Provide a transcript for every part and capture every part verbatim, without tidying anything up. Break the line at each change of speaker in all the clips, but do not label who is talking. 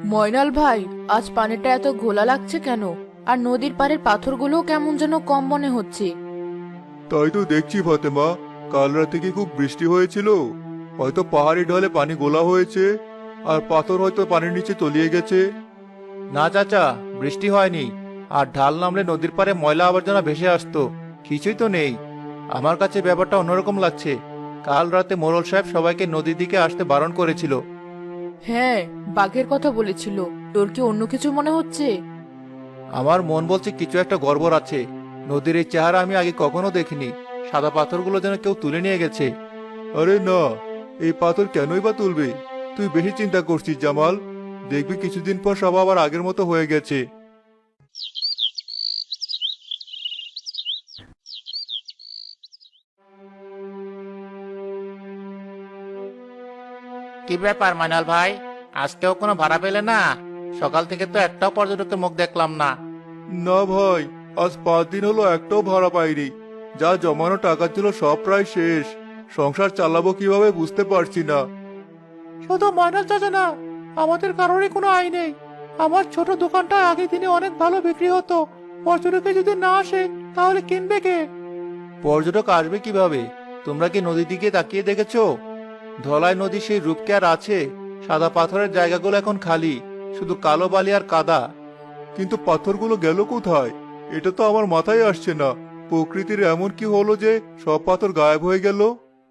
ময়নাল ভাই, আজ পানিটা এত ঘোলা লাগছে কেন? আর নদীর পাড়ের পাথরগুলোও কেমন যেন কম মনে হচ্ছে।
তাই তো দেখছি ফাতেমা, কাল রাতে কি খুব বৃষ্টি হয়েছিল? হয়তো পাহাড়ি ঢলে পানি গোলা হয়েছে, আর পাথর হয়তো পানির নিচে তলিয়ে গেছে।
না চাচা, বৃষ্টি হয়নি। আর ঢাল নামলে নদীর পাড়ে ময়লা আবর্জনা ভেসে আসতো, কিছুই তো নেই। আমার কাছে ব্যাপারটা অন্যরকম লাগছে। কাল রাতে মোড়ল সাহেব সবাইকে নদীর দিকে আসতে বারণ করেছিল।
হ্যাঁ, বাঘের কথা বলেছিল। তোর কি অন্য কিছু মনে হচ্ছে?
আমার মন বলছে কিছু একটা গড়বড় আছে। নদীর এই চেহারা আমি আগে কখনো দেখিনি। সাদা পাথরগুলো যেন কেউ তুলে নিয়ে গেছে।
আরে না, এই পাথর কেনই বা তুলবে? তুই বেশি চিন্তা করছিস জামাল। দেখবি কিছুদিন পর সব আবার আগের মতো হয়ে গেছে।
কি ব্যাপার মাইনাল ভাই, আজকেও কোনো ভাড়া পেলে না? সকাল থেকে তো একটাও পর্যটকের মুখ দেখলাম না।
না ভাই, আজ পাঁচ দিন হলো একটাও ভাড়া পাইনি। যা জমানো টাকা ছিল সব প্রায় শেষ। সংসার চালাবো কিভাবে বুঝতে পারছি না।
শুধু ময়নাল চাচা না, আমাদের কারোরই কোনো আয় নেই। আমার ছোট দোকানটা আগের দিনে অনেক ভালো বিক্রি হতো। পর্যটকে যদি না আসে তাহলে কিনবে কে? পর্যটক আসবে কিভাবে? তোমরা কি নদীর দিকে তাকিয়ে দেখেছো? ধলাই নদী সেই রূপ কি আর আছে? সাদা পাথরের জায়গাগুলো এখন খালি, শুধু কালো বালি আর কাদা।
কিন্তু পাথরগুলো গেল কোথায়? এটা তো আমার মাথায় আসছে না। প্রকৃতির এমন কি হলো যে সব পাথর গায়েব হয়ে গেল?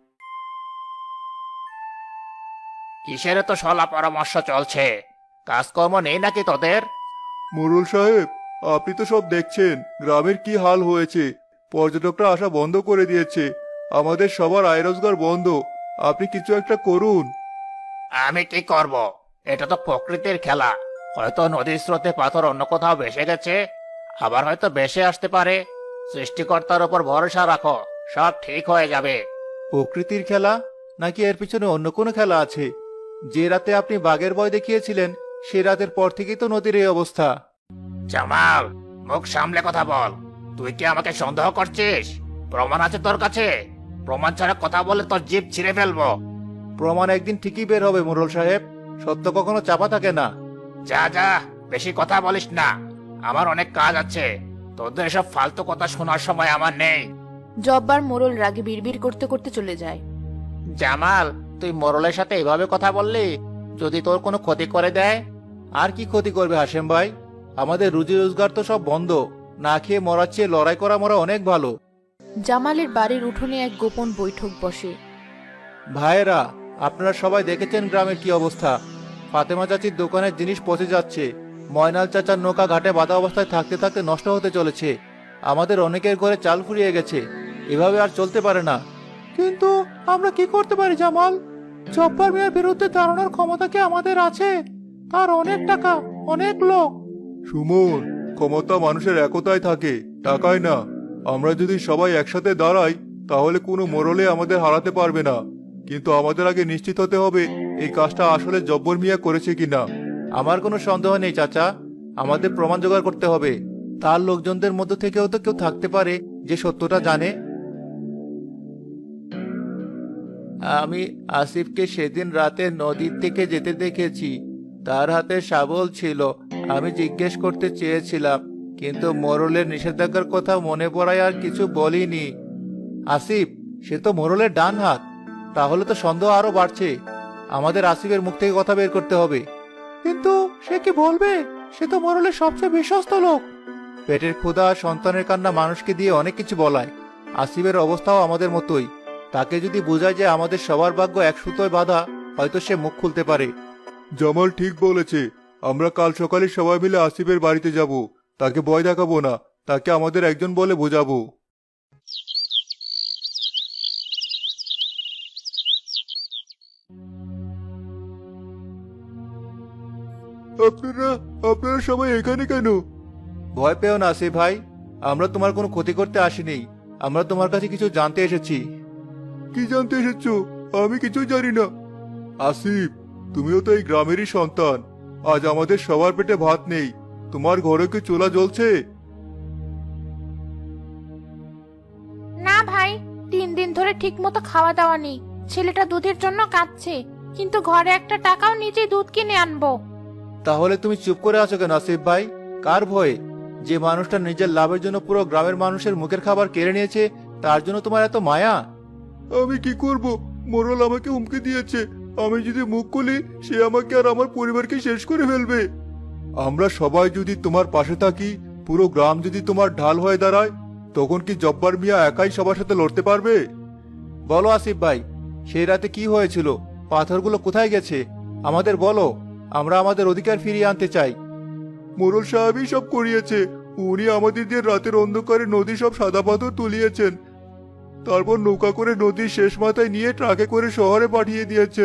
কিসের তো সলা পরামর্শ চলছে? কাজকর্ম নেই নাকি তোদের?
মোড়ল সাহেব, আপনি তো সব দেখছেন গ্রামের কি হাল হয়েছে। পর্যটকরা আসা বন্ধ করে দিয়েছে। আমাদের সবার আয় রোজগার বন্ধ। আপনি কিছু একটা করুন।
আমি কি করব? এটা তো প্রকৃতির খেলা। হয়তো নদীর স্রোতে পাথর অন্য কোথাও ভেসে গেছে, আবার হয়তো ভেসে আসতে পারে। সৃষ্টিকর্তার উপর ভরসা রাখো, সব ঠিক হয়ে যাবে। প্রকৃতির খেলা নাকি এর পিছনে অন্য কোনো খেলা আছে? যে রাতে আপনি বাঘের ভয় দেখিয়েছিলেন, সে রাতের পর থেকেই তো নদীর এই অবস্থা। জামাল, মুখ সামলে কথা বল। তুই কি আমাকে সন্দেহ করছিস? প্রমাণ আছে তোর কাছে? প্রমাণ ছাড়া কথা বলে তোর জিভ ছিঁড়ে ফেলবো। প্রমাণ একদিন ঠিকই বের হবে মোড়ল সাহেব। সত্য কখনো চাপা থাকে না। যা যা, বেশি কথা বলিস না। আমার অনেক কাজ আছে। তোদের এসব ফালতু কথা শোনার সময় আমার নেই।
জব্বার মোড়ল রাগে বিড়বিড় করতে করতে চলে যায়।
জামাল, তুই মোড়লের সাথে এভাবে কথা বললি? যদি তোর কোনো ক্ষতি করে দেয়? আর কি ক্ষতি করবে হাসেম ভাই? আমাদের রুজি রোজগার তো সব বন্ধ। না খেয়ে মরার চেয়ে লড়াই করা মরা অনেক ভালো।
জামালের বাড়ির উঠোনে এক গোপন বৈঠক বসে।
ভাইয়েরা, আপনারা সবাই দেখেছেন গ্রামের কি অবস্থা। ফাতেমা চাচির দোকানের জিনিস পচে যাচ্ছে। ময়নাল চাচার নৌকা ঘাটে বাঁধা অবস্থায় থাকতে থাকতে নষ্ট হতে চলেছে। আমাদের অনেকের ঘরে চাল ফুরিয়ে গেছে। এভাবে আর চলতে পারে না। কিন্তু আমরা কি করতে পারি জামাল? জব্বার মিয়ার বিরুদ্ধে দাঁড়ানোর ক্ষমতা কি আমাদের আছে? তার অনেক টাকা, অনেক লোক।
সুমন, ক্ষমতা মানুষের একতায় থাকে, টাকায় না। আমরা যদি সবাই একসাথে দাঁড়াই তাহলে কোনো মোড়লে আমাদের হারাতে পারবে না। কিন্তু আমাদের আগে নিশ্চিত হতে হবে এই কাজটা আসলে জব্বর মিয়া করেছে কিনা।
আমার কোনো সন্দেহ নেই চাচা। আমাদের প্রমাণ জোগাড় করতে হবে। তার লোকজনদের মধ্য থেকেও তো কেউ থাকতে পারে যে সত্যটা জানে। আমি আসিফকে সেদিন রাতে নদীর থেকে যেতে দেখেছি। তার হাতে শাবল ছিল। আমি জিজ্ঞেস করতে চেয়েছিলাম, কিন্তু মোড়লের নিষেধাজ্ঞার কথা মনে পড়ায় আর কিছু বলিনি। আসিফ, সে তো মোড়লের ডান হাত। তাহলে তো সন্দেহ আরো বাড়ছে। আমাদের আসিফের মুখ থেকে কথা বের করতে হবে। কিন্তু সে কি বলবে? সে তো মোড়লের সবচেয়ে বিশ্বস্ত লোক। পেটের ক্ষুধা আর সন্তানের কান্না মানুষকে দিয়ে অনেক কিছু বলায়। আসিফের অবস্থাও আমাদের মতোই। তাকে যদি বোঝায় যে আমাদের সবার ভাগ্য এক সুতোয় বাঁধা, হয়তো সে মুখ খুলতে পারে।
জামাল ঠিক বলেছে। আমরা কাল সকালে সবাই মিলে আসিফের বাড়িতে যাব। তাকে ভয় দেখাবো না, তাকে আমাদের একজন বলে বোঝাবো। আপনারা আপনারা সবাই এখানে কেন?
ভয় পেও না আসিফ ভাই। আমরা তোমার কোনো ক্ষতি করতে আসিনি। আমরা তোমার কাছে কিছু জানতে এসেছি।
কি জানতে এসেছো? আমি কিছুই জানি না। আসিফ, তুমিও তো এই গ্রামেরই সন্তান। আজ আমাদের সবার পেটে ভাত নেই। তোমার ঘরে কি চুলা জ্বলছে?
না ভাই, তিন দিন ধরে ঠিক মতো খাওয়া দাওয়া নেই। ছেলেটা দুধের জন্য কাঁদছে, কিন্তু ঘরে একটা টাকাও নিজেই দুধ কিনে আনবো।
তাহলে তুমি চুপ করে আছো কেন আসিফ ভাই? কার ভয়ে? যে মানুষটা নিজের লাভের জন্য পুরো গ্রামের মানুষের মুখের খাবার কেড়ে নিয়েছে, তার জন্য তোমার এত মায়া? আমি কি করব? মোরল আমাকে হুমকি দিয়েছে, আমি যদি মুখ খুলি সে আমাকে আর আমার পরিবারকে শেষ করে ফেলবে। আমরা সবাই যদি তোমার পাশে থাকি, পুরো গ্রাম যদি তোমার ঢাল হয়ে দাঁড়ায়, তখন কি জব্বার মিয়া একাই সবার সাথে লড়তে পারবে? বলো আসিফ ভাই, সেই রাতে কি হয়েছিল? পাথরগুলো কোথায় গেছে? আমাদের বলো, আমরা আমাদের অধিকার ফিরিয়ে আনতে চাই। মোরল সাহেবই সব করিয়েছে। উনি আমাদের দিয়ে রাতের অন্ধকারে নদী সব সাদা পাথর তুলিয়েছেন, তারপর নৌকা করে নদীর শেষ মাথায় নিয়ে ট্রাকে করে শহরে পাঠিয়ে দিয়েছেন।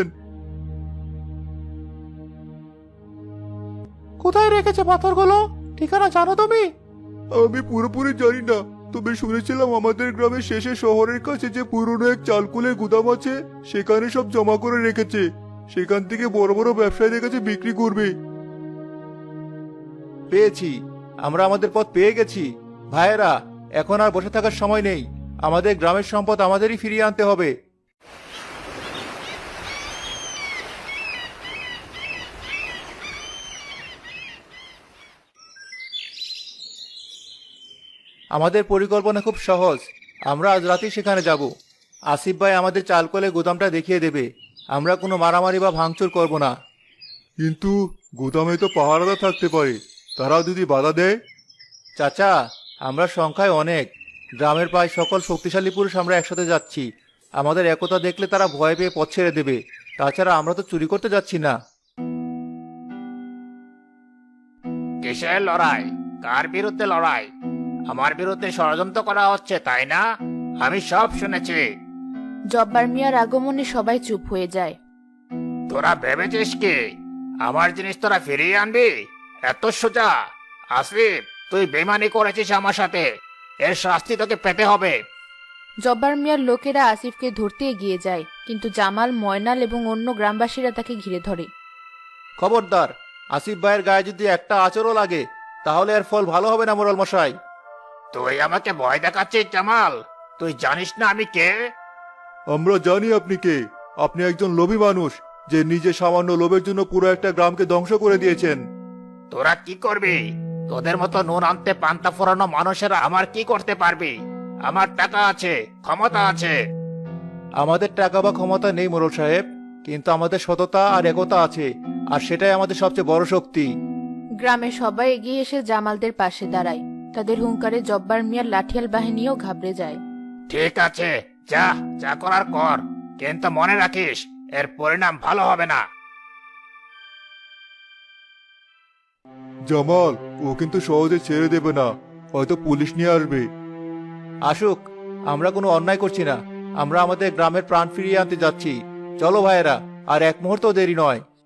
কোথায় রেখেছে পাথরগুলো? ঠিকানা জানো তুমি? আমি পুরোপুরি জানি না, তবে শুনেছিলাম আমাদের গ্রামের শেষে শহরের কাছে যে পুরনো এক চালকুলের গুদাম আছে, সেখানে সব জমা করে রেখেছে। সেখান থেকে বড় বড় ব্যবসায়ীদের কাছে বিক্রি করবে। পেয়েছি, আমরা আমাদের পথ পেয়ে গেছি। ভাইয়েরা, এখন আর বসে থাকার সময় নেই, আমাদের গ্রামের সম্পদ আমাদেরই ফিরিয়ে আনতে হবে। আমাদের পরিকল্পনা খুব সহজ। আমরা আজ রাতেই সেখানে যাব। আসিফ ভাই আমাদের চালকলে গুদামটা দেখিয়ে দেবে। আমরা কোনো মারামারি বা ভাঙচুর করব না। কিন্তু গুদামে তো পাহারাদার থাকতে পারে, তারাও যদি বাধা দেয়? চাচা, আমরা সংখ্যায় অনেক। গ্রামের প্রায় সকল শক্তিশালী পুরুষ আমরা একসাথে যাচ্ছি। আমাদের একতা দেখলে তারা ভয় পেয়ে পথ ছেড়ে দেবে। তাছাড়া আমরা তো চুরি করতে যাচ্ছি না।
কিসের লড়াই? কার বিরুদ্ধে লড়াই? আমার বিরুদ্ধে ষড়যন্ত্র করা হচ্ছে, তাই না? আমি সব শুনেছি।
জব্বার মিয়ার আগমনে সবাই চুপ হয়ে যায়।
তোরা ভেবেছিস কি আমার জিনিস তোরা ফিরিয়ে আনবি? এত সোজা? আসিফ, তুই বেমানি করেছিস আমার সাথে, এর শাস্তি তোকে পেতে হবে।
জব্বার মিয়ার লোকেরা আসিফকে ধরতে এগিয়ে যায়, কিন্তু জামাল, ময়নাল এবং অন্য গ্রামবাসীরা তাকে ঘিরে ধরে।
খবরদার, আসিফ ভাইয়ের গায়ে যদি একটা আচরও লাগে, তাহলে এর ফল ভালো হবে না মোড়ল মশাই।
তুই আমাকে ভয় দেখাচ্ছিস জামাল? তুই জানিস না আমি কে?
আমরা জানি আপনি কে। আপনি একজন লোভী মানুষ, যে নিজে সামান্য লোভের জন্য পুরো একটা গ্রামকে ধ্বংস করে দিয়েছেন।
তোরা কি করবি? তোদের মতো নুন আনতে পান্তা ফোরানো মানুষেরা আমার কি করতে পারবি? আমার টাকা আছে, ক্ষমতা আছে।
আমাদের টাকা বা ক্ষমতা নেই মোড়ল সাহেব, কিন্তু আমাদের সততা আর একতা আছে, আর সেটাই আমাদের সবচেয়ে বড় শক্তি।
গ্রামে সবাই এগিয়ে এসে জামালদের পাশে দাঁড়ায়। তাদের হুঙ্কারে জব্বার মিয়ার লাঠিয়াল বাহিনীও ঘাবড়ে যায়।
ঠিক আছে, যা যা করার কর, কিন্তু মনে রাখিস এর পরিণাম ভালো হবে না।
জামাল, ও কিন্তু সহজে ছেড়ে দেবে না, হয়তো পুলিশ নিয়ে আসবে। আসুক, আমরা কোনো অন্যায় করছি না। আমরা আমাদের গ্রামের প্রাণ ফিরিয়ে আনতে যাচ্ছি। চলো ভাইয়েরা, আর এক মুহূর্ত দেরি নয়।